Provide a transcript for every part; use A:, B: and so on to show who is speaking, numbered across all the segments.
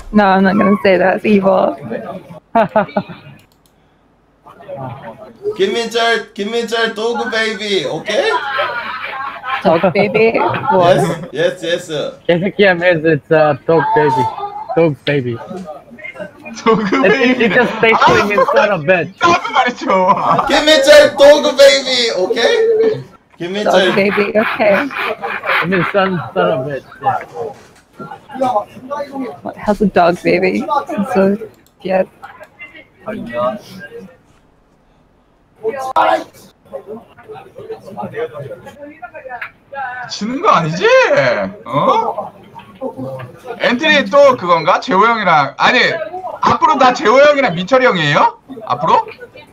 A: No, I'm not gonna say that. It's evil.
B: 김민철, dog baby, okay?
A: Dog baby. What?
B: Yes.
C: 개새끼야 means it's a dog baby. Dog baby. It just basically means son of bitch.
D: 나도 말했죠.
B: 김민철, dog baby, okay? 김민철.
A: Dog baby. Okay.
C: It means son of bitch. Yeah.
A: What? How's a dog baby? So, yeah.
D: 지는 거 아니지? 어? 엔트리 또 그건가? 재호 형이랑 아니 앞으로 다 재호 형이랑 민철이 형이에요? 앞으로?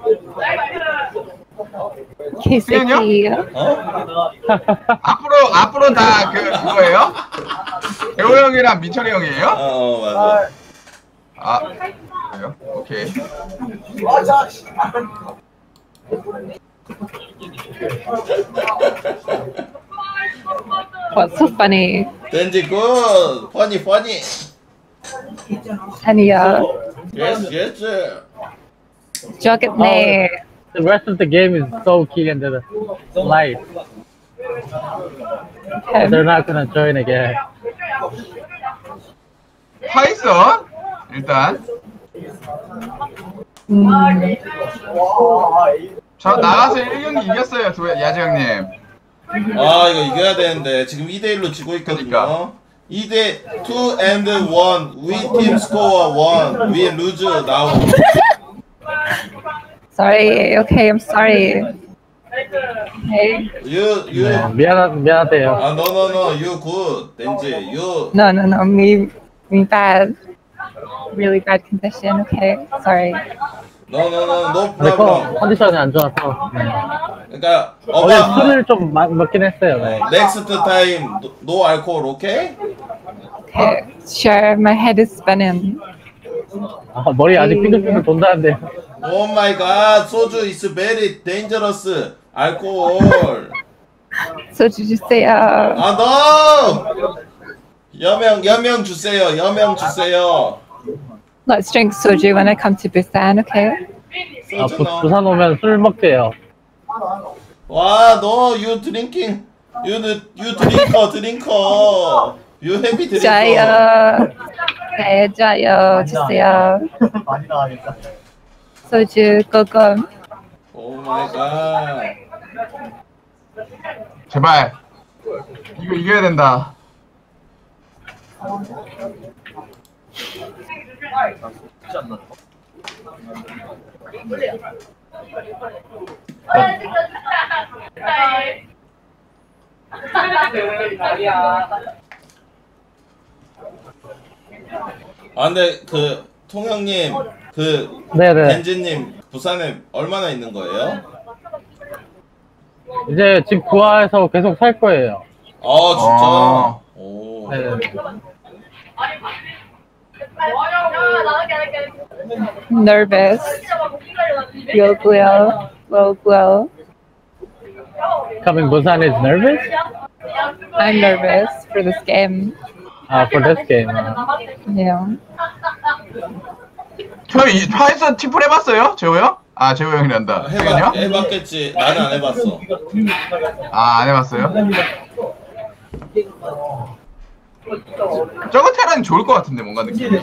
A: 개새끼.
D: 앞으로 다 그거예요? 재호 형이랑 민철이 형이에요?
B: 맞아.
D: 아 그래요? 오케이.
A: What's so funny?
B: 덴지 good, funny.
A: Anya.
B: Yes.
A: Joggitney.
C: The rest of the game is so key into the light.
A: Okay.
C: They're not gonna join again.
D: 파이썬 일단 저 나가서 1경기 이겼어요 야지 형님.
B: 아 이거 이겨야 되는데 지금 2대1로 지고 있거든요. 2대 2 and 1 we team score 1 we lose now.
A: Sorry. Okay, I'm sorry. Okay.
B: You
C: 네, 미안하대요.
B: no you good 덴지 you
A: No. Me bad. Really bad condition. Okay. Sorry.
B: no
C: 근데
B: problem.
C: 컨디션이 안 좋아서.
B: 그러니까
C: 어제 술을 좀 먹긴 했어요. 네.
B: next time no alcohol okay?
A: Okay. Sure. My head is spinning.
C: 아, 머리 아직 삐글삐글 돈다는데.
B: Oh my god 소주 is very dangerous alcohol.
A: 소주 주세요.
B: 아 no 여명 주세요.
A: Let's drink soju when I come to Busan. Okay.
C: 아, 부산 오면 술 먹대요.
B: 와, 너 you drinking, you drinker, you heavy drinker.
A: 짜요. 네, 짜요. 주세요.
E: 많이 나가겠다.
A: 소주 고금.
B: Oh my god.
D: 제발 이거 이겨야 된다.
B: 아 근데 그 통영님 그
C: 네네.
B: 벤지님 부산에 얼마나 있는 거예요?
C: 이제 집 구하해서 계속 살 거예요.
B: 아 진짜? 오.
C: 네.
A: Nervous. Feel glow.
C: Coming Busan is nervous?
A: I'm nervous for this game.
C: For this game.
A: Yeah.
D: 저희 파이썬 팀플 해봤어요? 재호 형? 아 재호 형이란다.
B: 해봤겠지. 나는 안 해봤어.
D: 아 안 해봤어요? 저거 테란이 좋을 것 같은데 뭔가 느낌이.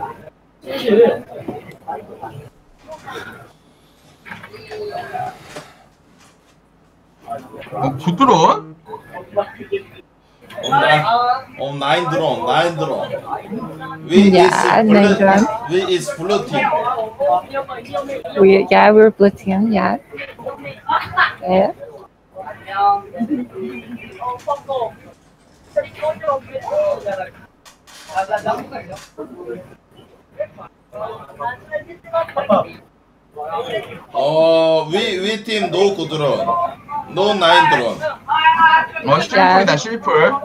D: 굿드론?
B: nine drone. We
A: Yeah,
B: is
A: nine drone.
B: We is blue team.
A: We're blue team. Yeah. Yeah.
B: We team no good drone. No nine drone.
D: 12풀이다 12풀.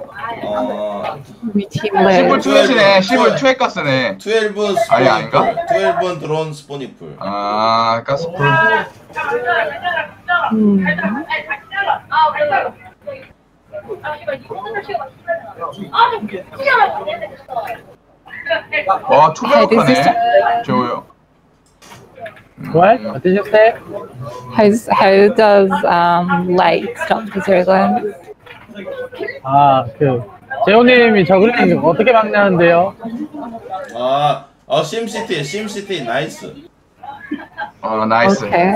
A: We team
D: 10풀
A: live.
D: 투엣이네. 10풀 투엣 가스네.
B: 12
D: 아니, 아닌가?
B: 12 드론 스포니풀.
D: 아 가스풀. 와 초배력하네 재호 형.
C: What? What did you say?
A: How does light stop the circle?
C: 아, 재호님이 저글링 어떻게 막냐는데요?
B: 심시티 나이스.
D: 나이스.
A: Okay.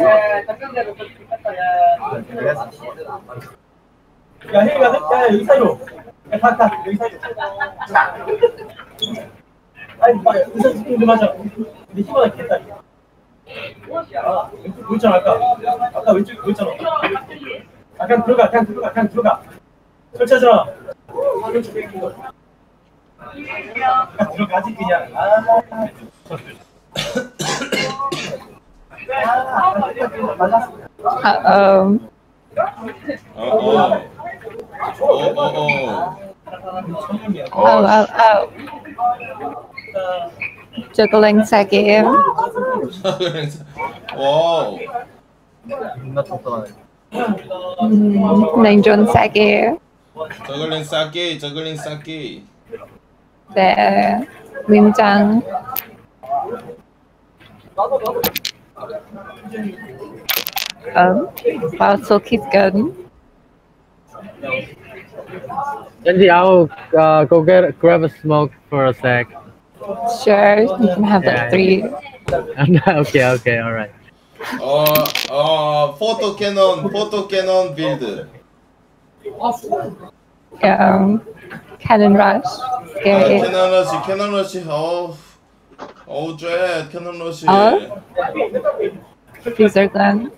E: 야, 혜리가, 야, 여기 사이로. 야, 다, 여기 사이로. 아니, 의사 지금 좀 하자. 근데 힘은 있겠다. 왼쪽 보였잖아, 아까 왼쪽 보였잖아. 그냥 들어가. 설치하잖아. 왼쪽 뺏긴 거. 들어가지, 그냥.
A: Juggling Sagi.
B: 와우.
A: Nanjon Sagi.
B: 저글링 쌓기.
A: 네. Limjang. Wow, Silky's good.
C: Andy, I'll go grab a smoke for a sec.
A: Sure, you can have like 3.
C: Okay, alright.
B: 포토 캐논 빌드.
A: Cannon Rush. Scary.
B: 캐논 러시. 캐논 러시.
A: Freezer Gun.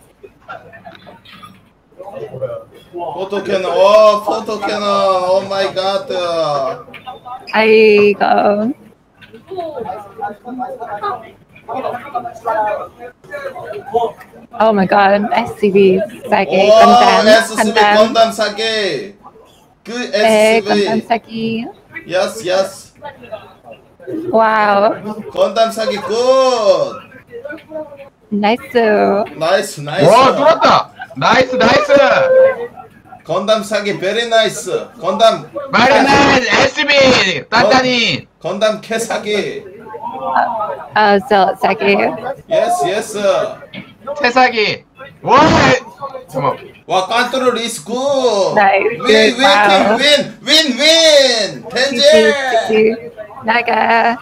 B: 포토 캐논. 오 마이 갓.
A: I go. Oh my god, SCV Sagi.
B: 건담 사기. 그
A: Gundam
B: SCV.
A: Sagi.
B: Yes.
A: Wow.
B: 건담 사기 굿.
A: Nice.
D: 와 뚫었다. 나이스.
B: 건담 사기 very nice. 건담
D: 마리난 SB 단단히.
B: 건담 캐 사기.
A: Zealot Sagi.
B: Yes.
D: 태사기. 와. 잠깐만.
B: 와 컨트롤 is good.
A: Nice. Wow.
B: win. 덴젤.
A: GG. 나가.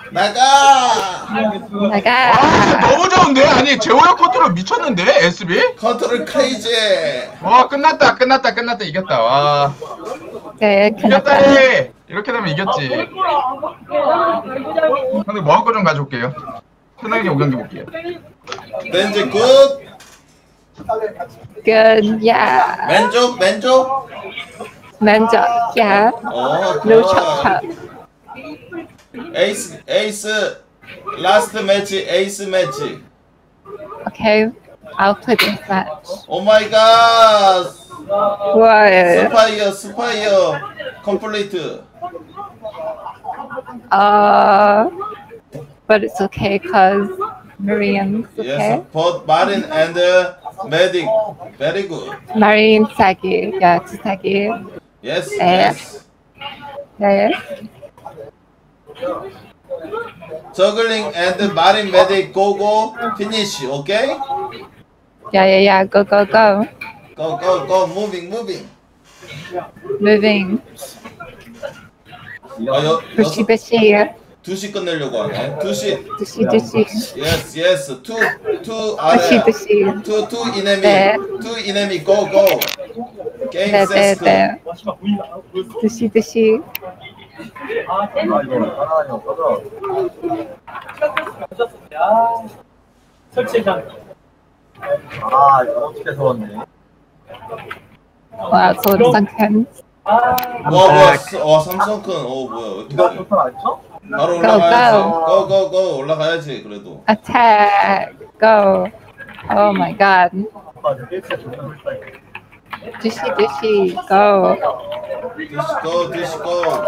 D: 와 너무 좋은데? 아니 재호 형 컨트롤 미쳤는데 SB?
B: 컨트롤 크레이지.
D: 와 끝났다 이겼다. 와
A: 네,
D: 이겼다. 이렇게 되면 이겼지. 근데 먹을 거 좀 가져올게요. 편하게 5경기 볼게요.
B: 덴젤 굿.
A: Good, yeah.
B: 맨족.
A: Manjak, yeah. No chop.
B: 에이스 라스트 매치 에이스 매치.
A: Okay, I'll play this match.
B: 오 마이 갓.
A: What?
B: 스파이어 컴플리트.
A: But it's okay because Marian's okay.
B: Yes, both Marin and Medic. Very good.
A: Marian Sagi, yeah, it's Sagi.
B: Yes.
A: Yeah.
B: Juggling and Marin Medic go finish. Okay?
A: Yeah. Go.
B: Go. Moving.
A: Moving. Bishi.
B: 2시 끝내려고 하네. 2시. Yes. Two 아래.
A: Bishi.
B: Two enemy.
A: 네.
B: Two enemy. Go. Game set.
A: 네. Bishi.
E: 설치장. 이거 어떻게 서웠네.
A: Wow, so it's sunken.
B: 와 삼성큰. 뭐야? 어떻게 돼? 바로 올라가야지. 고 올라가야지 그래도.
A: Attack. Go. Oh my god. Bishi. Go.
B: 디스코.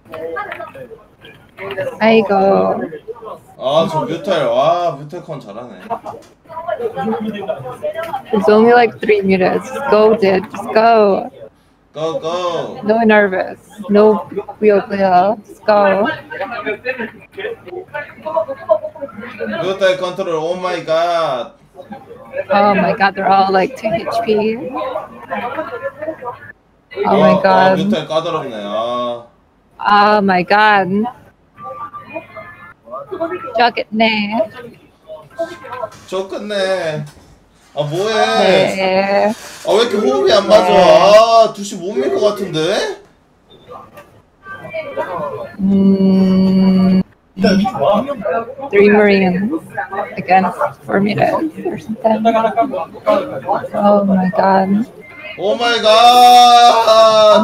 A: 아이고.
B: 저 뮤탈컨 잘하네.
A: There's only like 3 minutes. Just go, dude. Just go.
B: Go.
A: No nervous. No Wheel. Let's go.
B: 뮤탈 컨트롤. 오 마이 갓.
A: Oh my god, they're all like 2 HP. Oh my god.
B: 뮤탈 까다롭네. 아.
A: Oh my god. 저겠네.
B: 저 끝내. 아 뭐해?
A: 네.
B: 아 왜 이렇게 호흡이 안 맞아? 아 두시 못 밀 것 같은데?
A: Three Marines against 4 meters or something. Oh my god.
B: 오 마이 갓.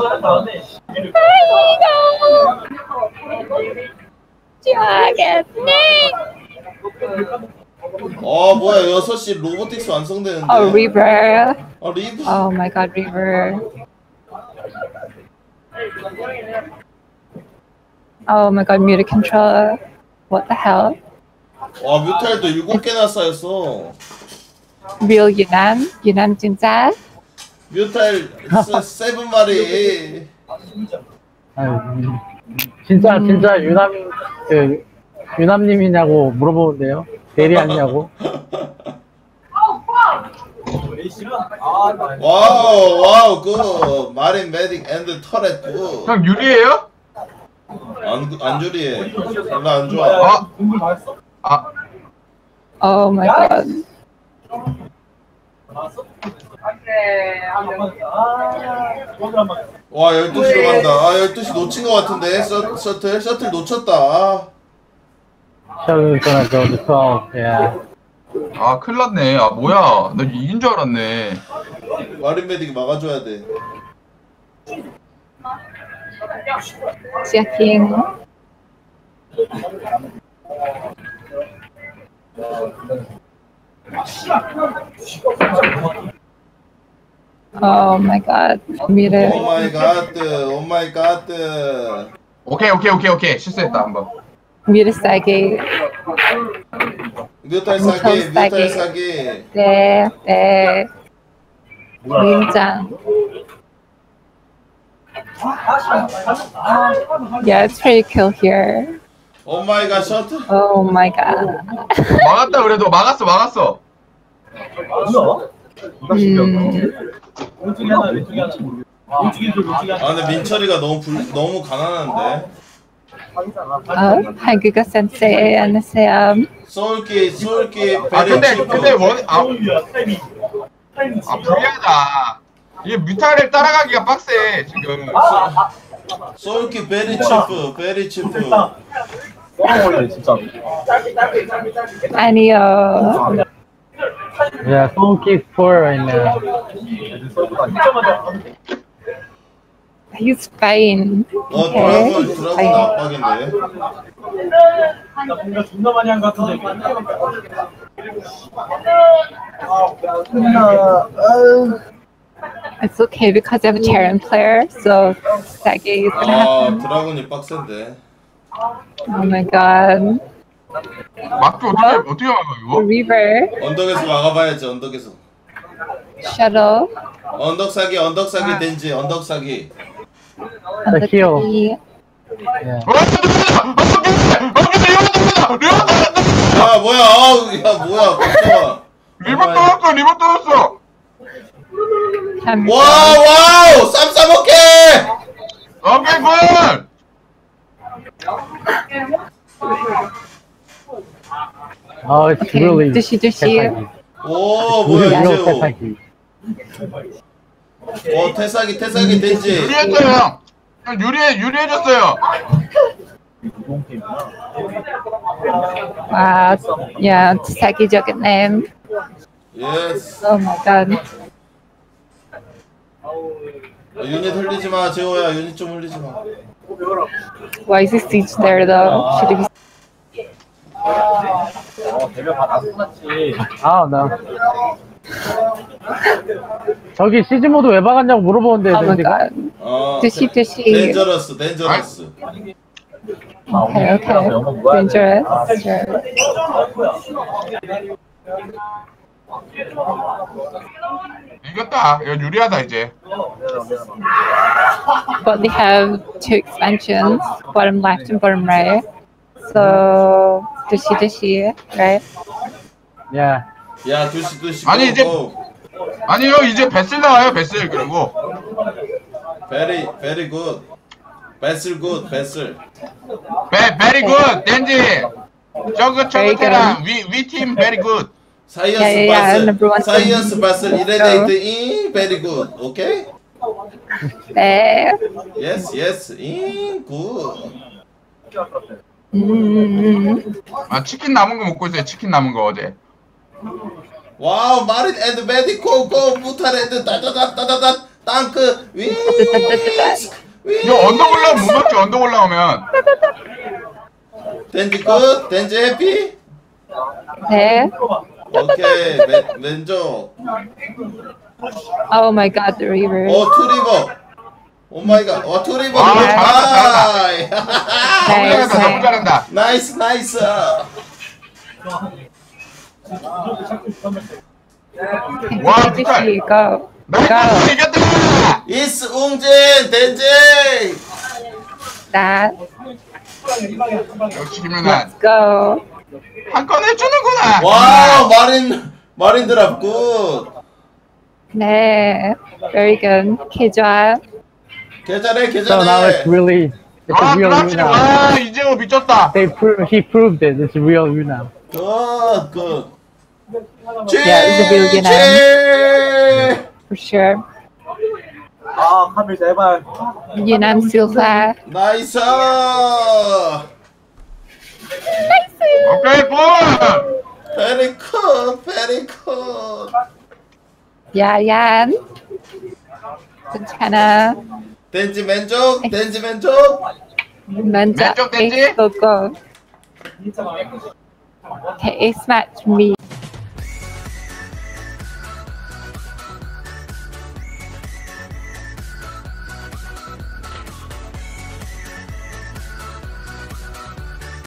A: 저겠네.
B: 뭐야 6시 로보틱스 완성되는데.
A: Oh, Reaver.
B: 리브.
A: Oh my god, Reaver. Oh my god, muted controller. What the hell?
B: 와 뮤탈도 7개나 쌓였어.
A: Real Yunnan? Yunnan 진짜?
B: 뮤탈 7마리.
C: 아유, 진짜 유남님이냐고 물어보는데요. 대리 아니냐고.
B: 와우 굿. 마린 메딕 앤드 터렛 굿.
D: 형 유리해요?
B: 안 주리해. 별로 안 좋아.
A: Oh my god.
B: 와 12시로 간다. 12시 놓친 것 같은데. 셔틀 놓쳤다.
C: Shuttle is gonna go to 12. Yeah.
D: 큰일 났네. 뭐야. 나 이긴 줄 알았네.
B: 마린 메딕이 막아줘야 돼.
A: Checking. Oh my god. Muted.
B: 오 마이 갓. 오 마이 갓.
D: 오케이. 실수했다, 한번.
A: Muted Sagi.
B: 뮤탈 사기.
A: 네. 민장. Yeah, it's pretty kill here.
B: 오 마이 갓 셔틀.
A: Oh my god.
D: 막았다, 그래도. 막았어.
B: 근데 민철이가 너무 가난한데.
A: 한국어 센세이 안녕하세요.
B: 소울키
D: 근데 불리하다. 이게 뮤탈을 따라가기가 빡세, 지금.
B: 소울키 베리 치프.
A: 아니요.
C: Yeah, Soul Kick 4 right now.
A: He's fine.
B: 드라곤 압박인데.
E: 뭔가 존나 많이 한 것 같은데.
A: It's okay because I have a Terran player, so Sagi is gonna have.
B: 드라곤이 빡센데.
A: Oh my god.
D: 막주 어떻게 막아, 이거?
A: Reaver,
B: 언덕에서 막아봐야지. 언덕에서.
A: Shuttle,
B: 언덕 사기 덴지. 언덕 사기.
A: and the
C: kill.
A: key.
C: Yeah.
B: 야 뭐야 깜짝아.
D: 리버 떨었어.
B: 와우 쌈 싸먹게.
D: 오케이, 굿.
C: Oh, it's
A: Okay,
C: really.
A: Dushi.
B: 오 뭐야
C: real
B: 이제.
C: Tesaki.
B: 태사기 덴지.
D: 유리했어요, 형. 유리해졌어요.
A: Wow, yeah, Sagi joke name.
B: 예스.
A: Oh my god.
B: 유닛 흘리지 마, 재호야. 유닛 좀 흘리지 마.
A: Why is the siege there though? Should it be?
E: 대면 다 나서났지.
C: 아, 나. 저기 시즈 모드 왜 박았냐고 물어보는데
A: Oh my
C: 지금.
A: god. Dushi.
B: 덴저러스.
A: Okay. Dangerous. Sure.
D: 이겼다. 이거 유리하다 이제.
A: But they have two expansions, bottom left and bottom right. So dushi, right?
C: Yeah.
B: 야 두시
D: 아니, 이제-
B: 고.
D: 아니요 이제 베슬 나와요 베슬 그리고.
B: Very good. 베슬 good 베슬.
D: 베리 굿 댄지. 저그테랑 위팀 베리 굿.
B: 사이언스
A: yeah, number one.
B: 바슬 사이언스 바슬 이레데이트 인 very good. 오케이?
A: 네.
B: Yes in good.
D: 아 치킨 남은 거 먹고 있어요. 치킨 남은 거 어제.
B: 와우 마린 앤드 메디코 고 무탈 앤드 따다다다다다 땅크 위.
D: 이거 언덕 올라오면 못 먹지. 언덕 올라오면.
B: 덴지 굿 덴지 해피.
A: 네.
B: 오케이 왼쪽.
A: Oh my God, the river.
B: 투리버. 오 마이 갓. 투리버.
D: 아,
B: 하이.
D: 잘한다. 너무 잘한다.
B: 나이스.
D: 와,
A: dushi, go.
D: 나이스 이겼다.
B: 이스 웅진 덴지.
A: That.
D: 역시 김연아
A: Go.
D: 한 건 해주는구나.
B: 와우 마린 드랍 굿.
A: 네. Very good. 계좌.
B: 계좌래
C: So now it's really, it's a
D: 아
C: real
D: 그렇지.
C: Yuna.
D: 와 이재호 미쳤다.
C: He proved it. It's a real Yuna.
B: 굿.
A: Yeah, it's a real Yunnan. For sure.
E: 아, 카밀 제발.
A: Yunnan Silva.
B: 나이스.
D: 오케이 굿.
B: 베리 굿.
A: Yan. 괜찮아.
B: 덴지 왼쪽.
A: 먼저
D: 왼쪽 댄지?
A: ace go. Okay, ace match me.